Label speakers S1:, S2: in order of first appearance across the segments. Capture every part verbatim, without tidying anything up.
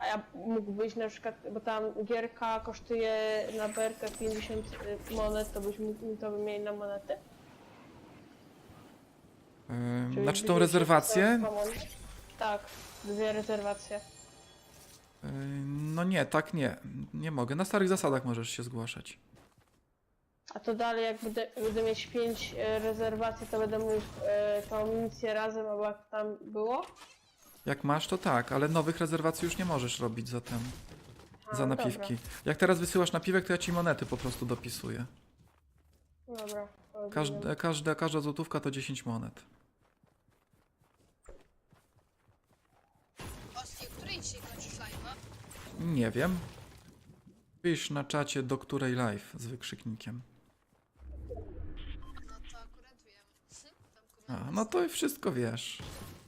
S1: ja mógłbyś na przykład, bo tam gierka kosztuje na berkę pięćdziesiąt monet, to byś mógł to wymienić na monety?
S2: Yy, znaczy tą rezerwację?
S1: Tak, dwie rezerwacje.
S2: Yy, no nie, tak nie. Nie mogę. Na starych zasadach możesz się zgłaszać.
S1: A to dalej, jak będę, będę mieć pięć rezerwacji, to będę mógł e, tą misję razem, albo jak tam było?
S2: Jak masz, to tak, ale nowych rezerwacji już nie możesz robić za ten,
S1: A,
S2: za
S1: dobra.
S2: napiwki. Jak teraz wysyłasz napiwek, to ja ci monety po prostu dopisuję.
S1: Dobra.
S2: Każda, każda, każda złotówka to dziesięć monet.
S3: Osti, o której dzisiaj kończysz live'a?
S2: Nie wiem. Pisz na czacie, do której live z wykrzyknikiem.
S3: No to akurat wiem. Tam
S2: A,
S3: komentarz.
S2: no to i wszystko wiesz.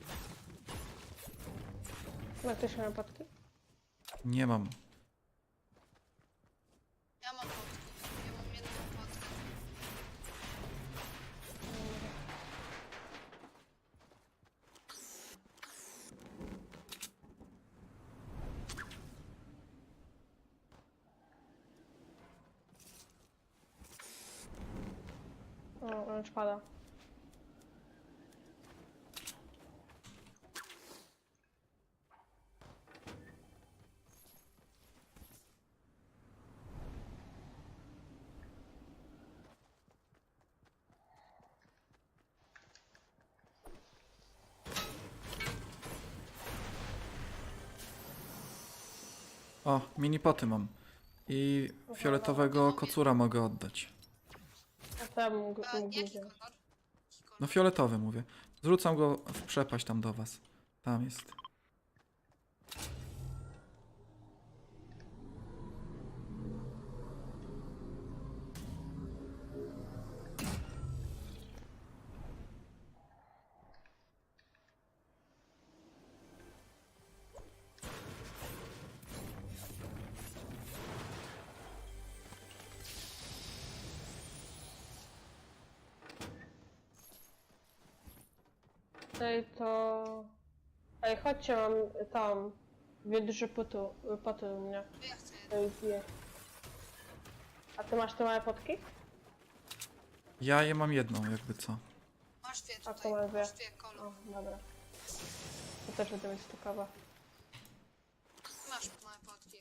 S1: Ma ktoś ma potki?
S2: Nie mam.
S3: Ja mam potki. Ja mam jedną potkę.
S1: O, on już pada.
S2: O, mini poty mam. I fioletowego kocura mogę oddać.
S1: A tam mógł,
S3: A
S1: mógł
S3: jaki
S1: wziąć.
S3: kolor? Jaki kolor?
S2: No fioletowy mówię. Zrzucam go w przepaść tam do was. Tam jest.
S1: Tutaj to... Ej, chodźcie, mam tam dwie duże potu, poty u mnie.
S3: To ja chcę
S1: To jest dwie. A ty masz te małe potki?
S2: Ja je mam jedną, jakby co.
S3: Masz dwie
S1: A,
S3: tutaj,
S1: to mam dwie.
S3: masz dwie kolor.
S1: O, dobra. To też będę mieć stukawa.
S3: Masz małe potki.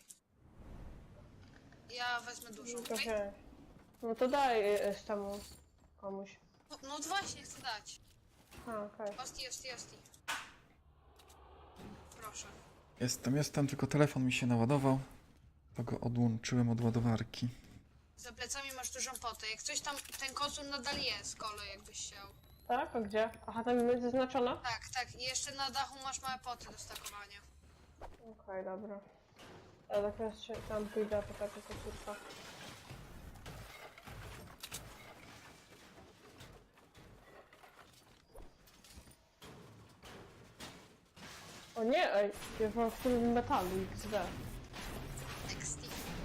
S3: Ja wezmę dużą,
S1: No to
S3: okej?
S1: wziąć. No to daj y, y, temu komuś.
S3: No, no właśnie, chcę dać.
S1: A, okej.
S3: Osti, osti, osti. Proszę.
S2: Jestem, jestem, tylko telefon mi się naładował. To go odłączyłem od ładowarki.
S3: Za plecami masz dużą potę. Jak coś tam, ten kocur nadal jest, kolo, jakbyś chciał.
S1: Tak? A gdzie? Aha, tam jest zaznaczona?
S3: Tak, tak. I jeszcze na dachu masz małe poty do stakowania.
S1: Okej, dobra. Ja tak teraz się tam pójdę po taką kocurka. O nie, ej, ja mam w tym metalu X D.
S3: Next.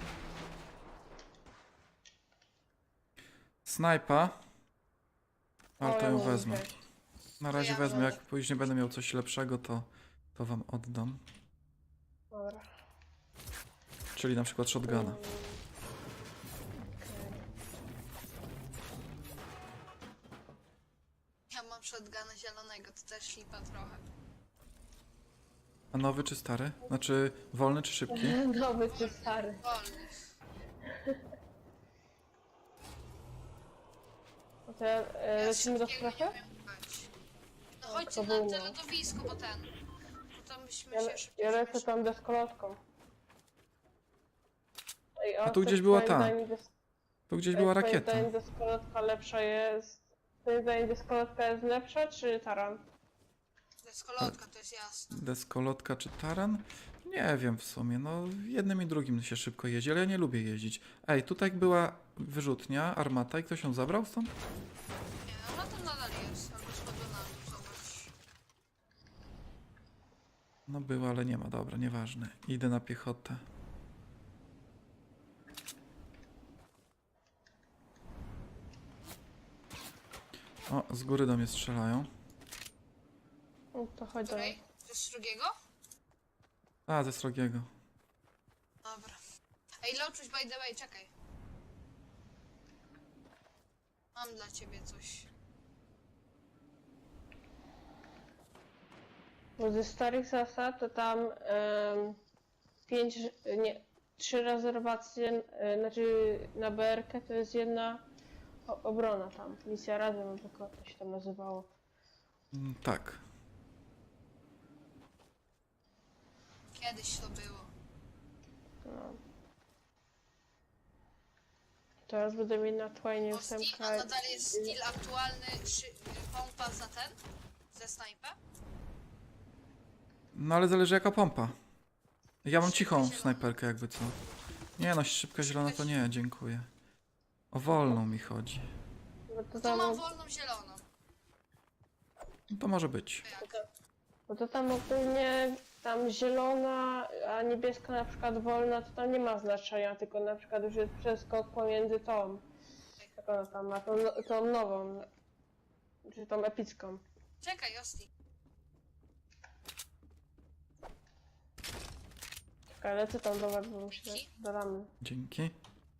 S2: Snajpa.
S1: O,
S2: Ale to
S1: ja
S2: ją
S1: mogę
S2: wezmę.
S1: wziąć.
S2: Na razie
S3: ja
S2: wezmę,
S3: wezmę.
S2: jak później będę miał coś lepszego, to, to wam oddam.
S1: Dobra.
S2: Czyli na przykład shotguna.
S1: Mm, okej.
S3: Ja mam shotguna zielonego, to też flipa trochę.
S2: A nowy czy stary? Znaczy wolny czy szybki?
S1: Nowy czy stary?
S3: Wolny.
S1: No to ja, e,
S3: Ja
S1: lecimy do
S3: szybkiego
S1: strefy?
S3: nie umiem grać. No
S1: O,
S3: chodźcie
S1: to
S3: na
S1: było.
S3: te lodowisko, bo ten. Bo tam byśmy
S1: Ja,
S3: się
S1: le
S3: szybciej
S1: ja lecę
S3: zmieszali.
S1: tam deskolotką. Ej,
S2: A tu
S1: coś
S2: gdzieś była
S1: twoim
S2: ta.
S1: zdaniem des-
S2: Tu gdzieś
S1: ej,
S2: była
S1: twoim
S2: rakieta.
S1: zdaniem deskolotka lepsza jest... Twoim zdaniem deskolotka jest lepsza, czy taran?
S3: Deskolotka, to jest jasne.
S2: Deskolotka czy taran? Nie wiem w sumie, no jednym i drugim się szybko jeździ, ale ja nie lubię jeździć. Ej, tutaj była wyrzutnia, armata i ktoś ją zabrał stąd?
S3: Nie, ona tam nadal jest, albo schodzi na dół, zobacz.
S2: No była, ale nie ma, dobra, nieważne. Idę na piechotę. O, z góry do mnie strzelają.
S1: No to chodź do nas.
S3: Której? To jest z drugiego?
S2: A, ze srogiego.
S3: Ej, Loczuś, by the way, czekaj. Mam dla ciebie coś.
S1: Bo ze starych zasad to tam em, pięć, nie, trzy rezerwacje, e, znaczy na B R K to jest jedna o- obrona tam. Misja razem, tylko to się tam nazywało.
S2: Mm, Tak.
S3: Kiedyś to było.
S1: No. Teraz będę mieć na Twine
S3: Bo Steel,
S1: ósemkę.
S3: a nadal jest skill aktualny, szy, pompa za ten? Ze snajpa?
S2: No ale zależy jaka pompa. Ja mam cichą snajperkę jakby co. Nie no, szybka zielona to nie, dziękuję. O wolną mi chodzi.
S1: Bo to
S3: To
S1: tam,
S3: mam wolną zieloną.
S2: No to może być.
S3: Jak?
S1: bo to tam ogólnie tam zielona, a niebieska na przykład wolna, to tam nie ma znaczenia, tylko na przykład już jest przeskok pomiędzy tą, jak ona tam ma, tą, tą nową, czy tą epicką.
S3: Czekaj, Osti.
S1: Czekaj, lecę tam do was, bo muszę do ramy.
S2: Dzięki.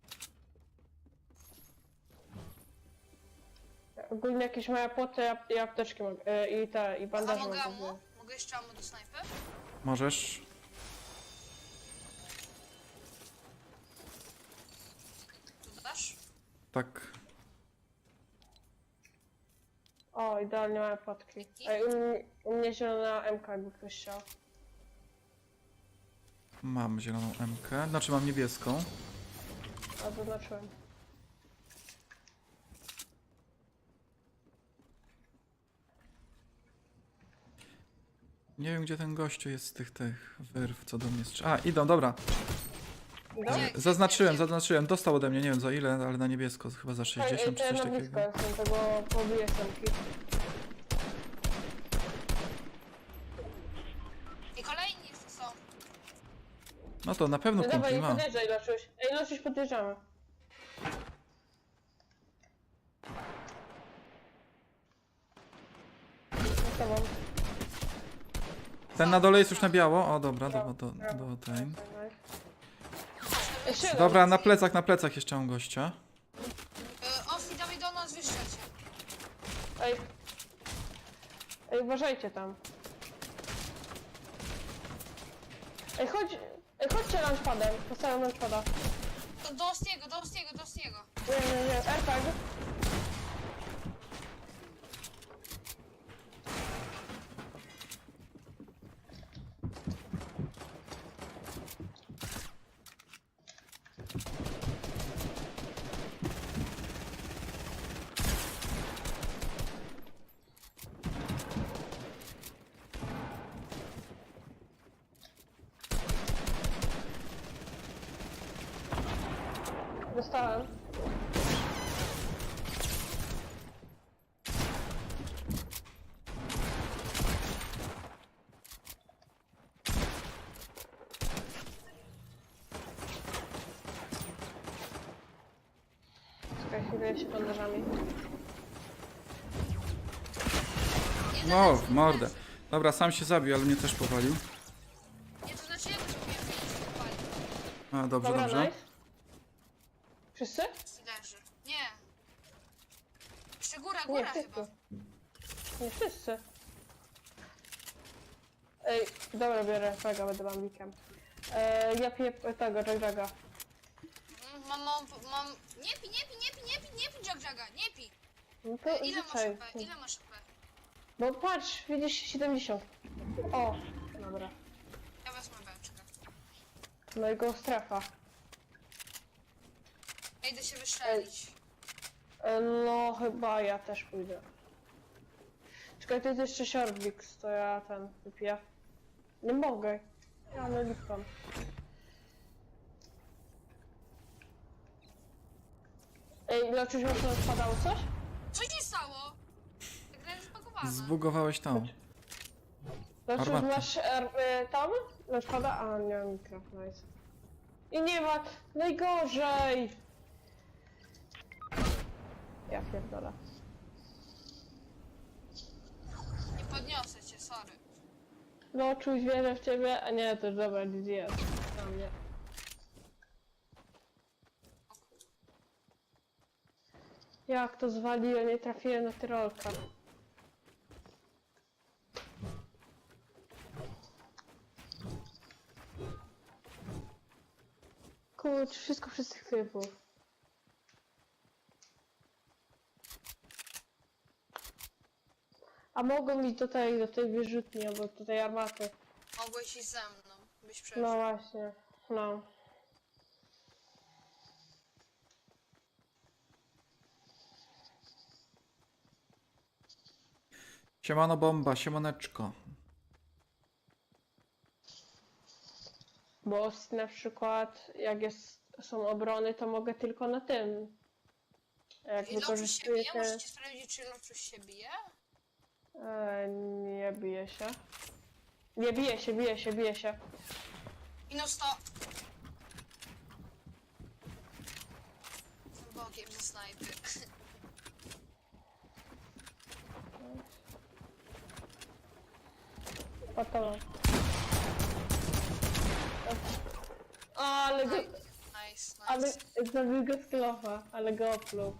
S1: Ogólnie jakieś małe płoty i- i apteczki mogę, e, i te, i
S3: A
S1: bandaże
S3: mogę
S1: mogę
S3: ammo?
S1: wziąć.
S3: Mogę jeszcze ammo do snajpy?
S2: Możesz.
S3: Tu dasz?
S2: Tak.
S1: O, idealnie małe płotki. Ej, u, mnie- u mnie zielona M K, jakby ktoś chciał.
S2: Mam zieloną M K, znaczy mam niebieską.
S1: A zaznaczyłem.
S2: Nie wiem gdzie ten gościu jest z tych tych wyrw, co do mnie strzela. A, idą, dobra.
S1: Idą?
S3: Gdzie?
S2: Zaznaczyłem, zaznaczyłem. Dostał ode mnie, nie wiem za ile, ale na niebiesko, chyba za
S1: Ej, ej,
S2: sześćdziesiąt
S1: to
S2: czy
S1: ja
S2: coś
S1: na blisko
S2: takiego.
S1: jestem, tego pobiję semki.
S3: I kolejni jeszcze są.
S2: No to na pewno
S1: No
S2: kumpli
S1: dawaj, nie
S2: ma.
S1: podjeżdżaj, Loszuś. Ej, Loszuś, podjeżdżamy. Z tobą.
S2: Ten na dole jest już na biało. O, dobra, do, do, do ten.
S1: Jeszcze jeden.
S2: Dobra, na plecach, na plecach jeszcze mam gościa.
S3: E, Osti, dawaj do nas, wyszczelcie.
S1: Ej. Ej, uważajcie tam. Ej, chodź. Ej, chodźcie launchpadem. Postawiam launchpada.
S3: Do, do Ostiego, do Ostiego, do Ostiego.
S1: Nie, nie, nie. AirTag. Dostałem. Czekaj chwilę, się bandażami.
S2: No, w mordę. Dobra, sam się zabił, ale mnie też powalił.
S3: Nie, to znaczy ja go zrobiłem, że nie się popali.
S2: A, dobrze,
S1: Dobra,
S2: dobrze.
S1: nice. Wszyscy?
S3: Leży. Nie. Jeszcze góra,
S1: Nie,
S3: góra
S1: wszyscy.
S3: chyba.
S1: Nie wszyscy. Ej, dobra, biorę tego, będę bambikiem. E, ja piję tego, Jack-Jacka.
S3: Mm, Mam, mam, mam... Nie pi, nie pi, nie pi, nie pi, nie pi, Jack Jacka, nie pi.
S1: No to
S3: Ile masz
S1: rzucaj.
S3: A P? Ile masz A P?
S1: Bo patrz, widzisz siedemdziesiąt. O, dobra.
S3: Ja wezmę beczkę.
S1: No i go strefa.
S3: Ja idę się wystrzelić.
S1: E, no chyba ja też pójdę. Czekaj, to jest jeszcze Shortbix, to ja ten wypiję. Nie mogę. Ja nie lipam. Ej, Loczuś, może to spadało coś?
S3: Co się stało? Ta gra jest zbagowana.
S2: Zbugowałeś tą.
S1: Loczuś,
S2: Armatę.
S1: masz er, y, tam? Lecz pada? A, nie mam mikro, nice. I nie ma, najgorzej! Ja pierdolę.
S3: Nie podniosę cię, sorry.
S1: Loczuś, wierzę w ciebie, a nie, to już dobra, G G jest. Na mnie. Jak to zwaliłem, nie trafiłem na tyrolka. Kurcz, wszystko przez tych typów. A mogą iść tutaj do tej wyrzutni, albo do tej armaty.
S3: Mogłeś iść ze mną, byś przeżył.
S1: No właśnie, no.
S2: Siemano bomba, siemaneczko.
S1: Bo s- na przykład jak jest, są obrony, to mogę tylko na tym. A jak
S3: I Loczuś się
S1: wykorzystuję
S3: bije?
S1: te...
S3: Możecie sprawdzić, czy Loczuś się bije?
S1: E, nie bije się. Nie bije się, bije się, bije się.
S3: Minus sto. Z bokiem ze snajpy.
S1: Patowa. O, ale go...
S3: Nice, nice.
S1: Ale zabił go z klofa, ale go opluł.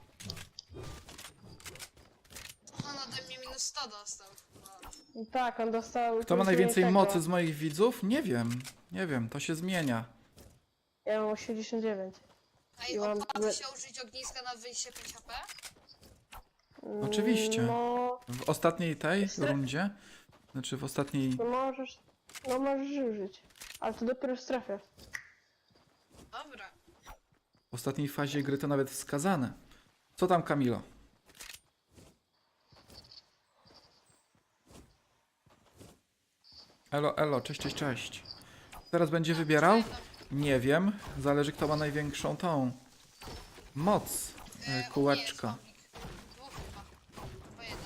S3: On ode mnie minus sto dostał. No.
S1: Tak, on dostał...
S2: Kto ma
S1: później
S2: najwięcej
S1: tego.
S2: mocy z moich widzów? Nie wiem. Nie wiem, to się zmienia.
S1: Ja mam osiemdziesiąt dziewięć.
S3: Ej,
S1: I mam-
S3: opłaca się użyć ogniska na dwadzieścia pięć H P?
S2: Oczywiście.
S1: No,
S2: W ostatniej tej
S1: Stre-
S2: rundzie, znaczy w ostatniej...
S1: no możesz... No możesz użyć. Ale to dopiero w strefie.
S3: Dobra.
S2: W ostatniej fazie gry to nawet wskazane. Co tam, Kamilo? Elo, elo, cześć, cześć, cześć. Teraz będzie wybierał? Nie wiem. Zależy, kto ma największą tą moc e, kółeczka.
S3: Dwóch chyba. Chyba jeden.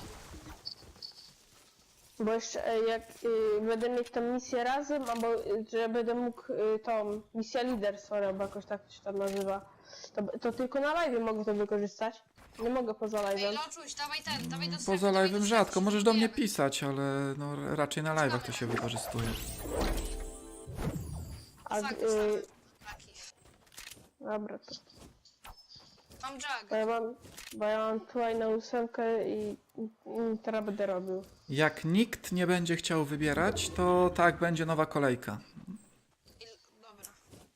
S1: Bo jeszcze e, jak y, będę mieć tą misję razem, albo y, że będę mógł y, tą misję liderstwa, albo jakoś tak się tam nazywa, to, to tylko na live mogę to wykorzystać. Nie mogę poza
S3: Ej,
S1: live'em.
S3: Loczuś, dawaj ten, dawaj do strefy,
S2: Poza
S3: dawaj
S2: live'em
S3: do
S2: rzadko.
S3: strefy,
S2: Możesz do mnie
S3: szybkujemy.
S2: pisać, ale no, raczej na live'ach to się wykorzystuje.
S1: A,
S3: Tak,
S1: y,
S3: taki.
S1: dobra, to.
S3: Mam
S1: Bo
S3: jag.
S1: ja mam, bo ja mam tutaj na ósemkę i, i, i teraz będę robił.
S2: Jak nikt nie będzie chciał wybierać, to tak, będzie nowa kolejka.
S3: I, dobra.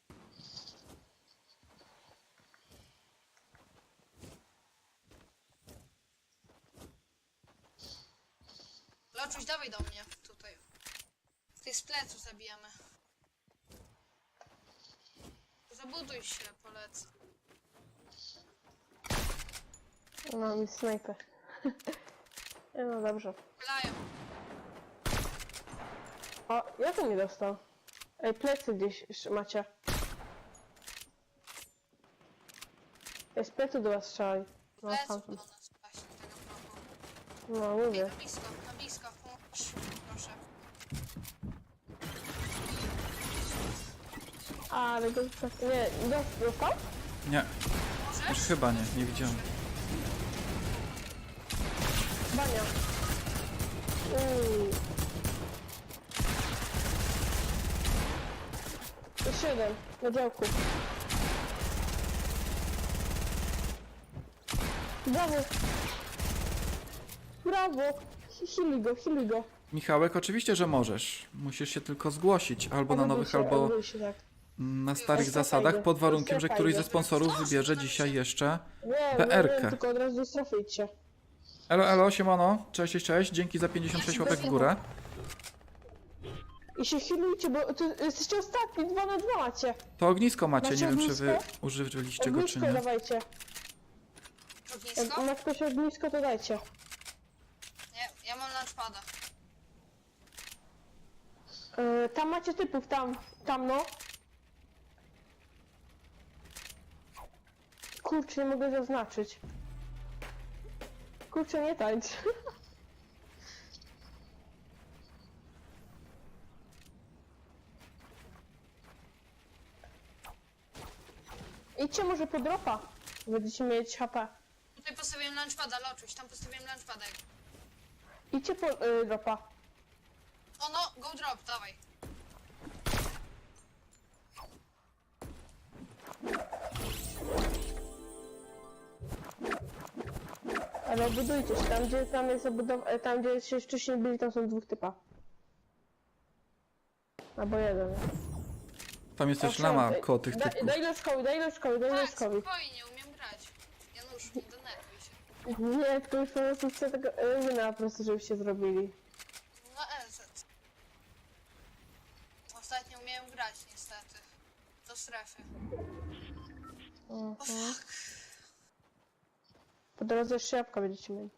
S3: Loczuś, dawaj do mnie, tutaj. Ty z plecu zabijamy. Zabuduj się, polecę.
S1: No mi snajpę. Nie, no dobrze.
S3: Pylają.
S1: O, ja to nie dostał. Ej, plecy gdzieś jeszcze macie. Ej, z plecy do was strzelaj. No,
S3: Pleców do
S1: stamtąd.
S3: nas właśnie, tego progu.
S1: No,
S3: Ej,
S1: mówię.
S3: na blisko, na blisko, pomóż. Proszę.
S1: Ale go tak, nie, dos- dostał?
S2: Nie, już
S3: Możesz?
S2: chyba nie, nie widziałem.
S1: Bania. Uuu. Jeszcze jeden, na działku. Brawo! Brawo! Hili go, hili go.
S2: Michałek, oczywiście, że możesz. Musisz się tylko zgłosić albo na
S1: Odwróć
S2: nowych,
S1: się,
S2: albo
S1: odwróć się, tak.
S2: na starych
S1: Ej,
S2: zasadach,
S1: fajnie.
S2: pod warunkiem, że
S1: Ej,
S2: któryś ze
S1: fajnie.
S2: sponsorów wybierze dzisiaj jeszcze
S1: Nie, nie,
S2: B R K.
S1: nie, tylko od razu do strefy idźcie.
S2: Elo, elo, siemano, cześć, cześć, cześć, dzięki za pięćdziesiąt sześć łapek w górę.
S1: I się healujcie, bo tu jesteście ostatni, dwa na dwa macie.
S2: To ognisko macie,
S1: Macie
S2: nie wiem, czy wy
S1: ognisko?
S2: używaliście go, czy
S1: Ognisko
S2: nie.
S1: dawajcie. Jak
S3: Ognisko?
S1: ma ktoś ognisko, to dajcie.
S3: Nie, ja mam launchpada.
S1: Yy, tam macie typów, tam, tam no. Kurczę, nie mogę zaznaczyć. Kurczę, nie tańcz. Idźcie może po dropa. Będziecie mieć H P.
S3: Tutaj postawiłem launchpada, Loczuś, tam postawiłem launchpada.
S1: Idźcie po yy, dropa.
S3: O no, go drop, dawaj.
S1: Ale budujcie się, tam gdzie tam jest obudowa, tam gdzie się wcześniej byli, tam są dwóch typa. Albo jeden.
S2: Tam jest też
S1: Proszę,
S2: lama
S1: daj-
S2: koło tych
S1: Daj,
S2: typków.
S1: daj Leszkowi, daj Leszkowi, daj
S3: Tak,
S1: Leszkowi.
S3: spokojnie, umiem grać. Janusz, nie denerwuj się.
S1: Nie, to już po prostu chcę tego Ezyna po prostu, żebyście zrobili.
S3: No E Z. Ostatnio umiałem grać niestety. Do strefy. O
S1: Mhm.
S3: fuck.
S1: Po drodze jeszcze jabłka będziecie mieli.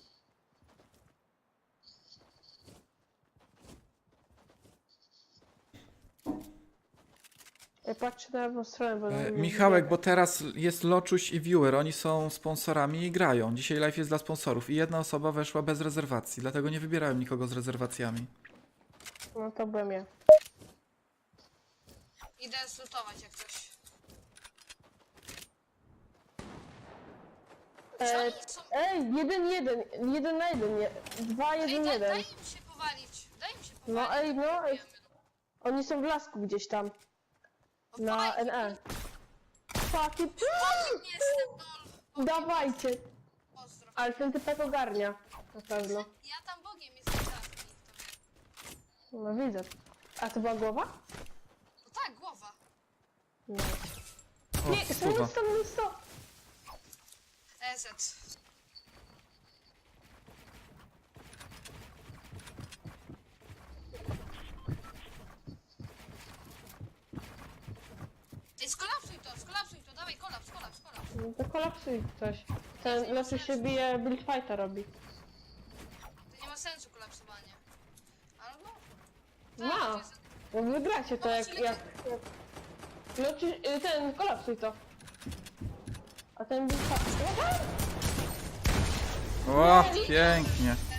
S1: Ja patrzę na lewą stronę, bo...
S2: E,
S1: nie
S2: Michałek,
S1: widzę.
S2: bo teraz jest Loczuś i Viewer, oni są sponsorami i grają. Dzisiaj live jest dla sponsorów i jedna osoba weszła bez rezerwacji, dlatego nie wybierałem nikogo z rezerwacjami.
S1: No to byłem ja.
S3: Idę zlutować jak coś. Czy
S1: E,
S3: oni są...
S1: ej, jeden, jeden, jeden na jeden, nie. Dwa,
S3: Ej,
S1: jeden,
S3: daj,
S1: jeden.
S3: daj im się powalić. Daj im się powalić.
S1: No ej, no, ej.
S3: Wiemy.
S1: Oni są w lasku gdzieś tam,
S3: No
S1: na
S3: fajnie.
S1: N E. Fucking...
S3: Nie jestem dol.
S1: Dawajcie!
S3: Pozdro.
S1: Ale ten typek ogarnia, na pewno.
S3: Ja tam Bogiem jestem czasem.
S1: No widzę. A to była głowa?
S3: No tak, głowa.
S1: Nie.
S2: O,
S1: Nie,
S2: stuwa.
S1: stop, stop, stop!
S3: E Z. Ej, skolapsuj to, skolapsuj to, dawaj, kolaps, kolaps, kolaps.
S1: No to kolapsuj coś. Ten lepiej się bije, build fighta robi.
S3: To nie ma sensu kolapsowanie. Albo?
S1: Ma.
S3: to jest-
S1: No wygracie to jak... jak, jak... No ci, y, ten, kolapsuj to. A ten build fight...
S2: O, pięknie.